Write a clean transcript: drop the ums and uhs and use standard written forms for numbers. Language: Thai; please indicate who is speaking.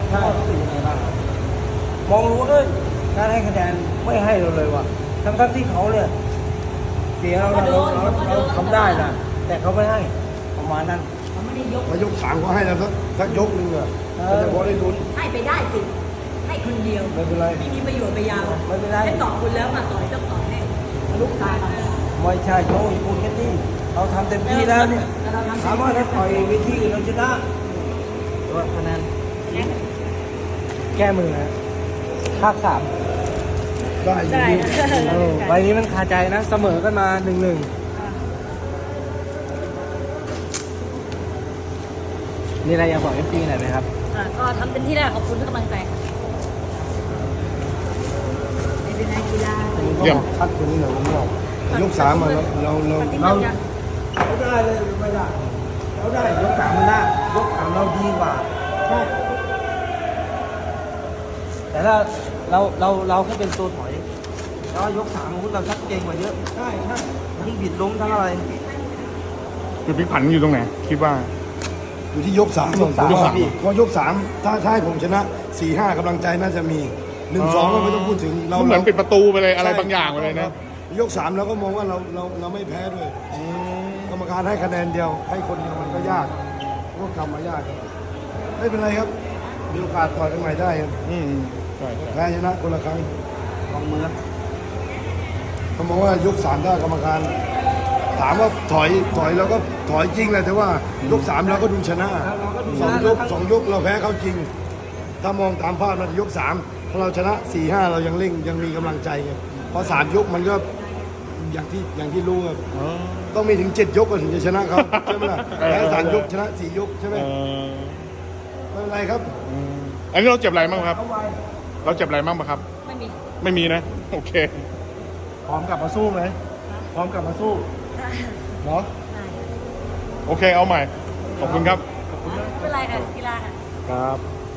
Speaker 1: ใช่มองรู้ด้วยการให้คะแนนไม่ให้เราเลยว่ะทั้งที่เขาเนี่ยเสียเราทำได้นะแต่เขาไม่ให้ประมาณนั้น
Speaker 2: เขาไม่ได้ยก
Speaker 3: มายก3เขาให้แล้วสักยกนึงอ่ะมันจะพอได้ลุ้น
Speaker 2: ให้ไปได้สิให้คนเดียว
Speaker 1: ไม่เป็นไร
Speaker 2: ไม่มีประโยชน์ไปยาว
Speaker 1: ไม่เป็นไร
Speaker 2: ให้ตอบคุณแล้วมาต่อยต้องตอบให้ลูกตา
Speaker 1: ไม่ใช่โจ้พูดแค่นี้เราทำเต็มที่แล้วเนี่ยถามว่าถ้าต่อยเวทีอื่นเราชนะว่าคะแนนแก้มือนะภาค 3
Speaker 3: ได้อยู่
Speaker 2: ได้
Speaker 1: ใบนี้มันคาใจนะเสมอกันมา 1-1นี่อะไรอยากบอก FC หน่อยไหมครับ
Speaker 2: ก็ทำเต็มที่แล้วขอบคุณทุกกำลังใจค่ะไม่เป็นไรกีฬา
Speaker 3: เยี่ยมคัดคนนี้หน่อยผมบอกยก3มาเรา
Speaker 1: เราได้เลยหรือไม่ได้เราได้ยก 3มันได้ยก 3เราดีกว่าใช่แต่ถ้าเราแค่เป็นตัวถอยแล้วยก3อาวุธเราชัดเจนกว่าเยอะใช่ทั้งบิดล้มทั้งอะไร
Speaker 4: จุดพลิกผันอยู่ตรงไหนคิดว่า
Speaker 3: อยู่ที่ยก3
Speaker 1: ยกสาม
Speaker 3: พอยก3ถ้าให้ผมชนะ 4-5กำลังใจน่าจะมี 1-2 ก็ไม่ต้องพูดถึง
Speaker 4: เหมือนปิดประตูไปเลยอะไรบางอย่างไปเลยนะ
Speaker 3: ยก3เราก็มองว่าเราไม่แพ้ด้วยกรรมการให้คะแนนเดียวให้คนเดียวมันก็ยากก็กำมายากไม่เป็นไรครับมีโอกาสต่อยกันใหม่ได้ครับ
Speaker 4: ใช่
Speaker 3: แพ้ชนะคนละครั้ง
Speaker 1: ลองมือ
Speaker 3: เขามองว่ายก3ถ้ากรรมการ ถามว่าถอยเราก็ถอยจริงแหละแต่ว่ายก3เราก็ดูชนะ2 ยกเราแพ้เขาจริง ถ้ามองตามภาพนะยก3ถ้าเราชนะ 4-5 เรายังเร่งยังมีกำลังใจไงพอ3 ยกมันก็อย่างที่รู้ครับต้องมีถึง7 ยกก่อนถึงจะชนะเขาใช่ไหมล่ะแพ้3 ยกชนะ4 ยกใช่ไหมไม่เป็นไรครับ
Speaker 4: อันนี้เราเจ็บอะไรบ้างครับ เราเจ็บอะไรบ้างปะครับ
Speaker 2: ไม่มี
Speaker 4: ไม่มีนะ โอเค
Speaker 1: พร้อมกลับมาสู้ไหมพร้อมกลับมาสู้เนาะ
Speaker 4: โอเคเอาใหม่ ขอบคุณครับ
Speaker 2: ไม่เป็นไรค่ะกีฬาค่ะ
Speaker 4: ครับ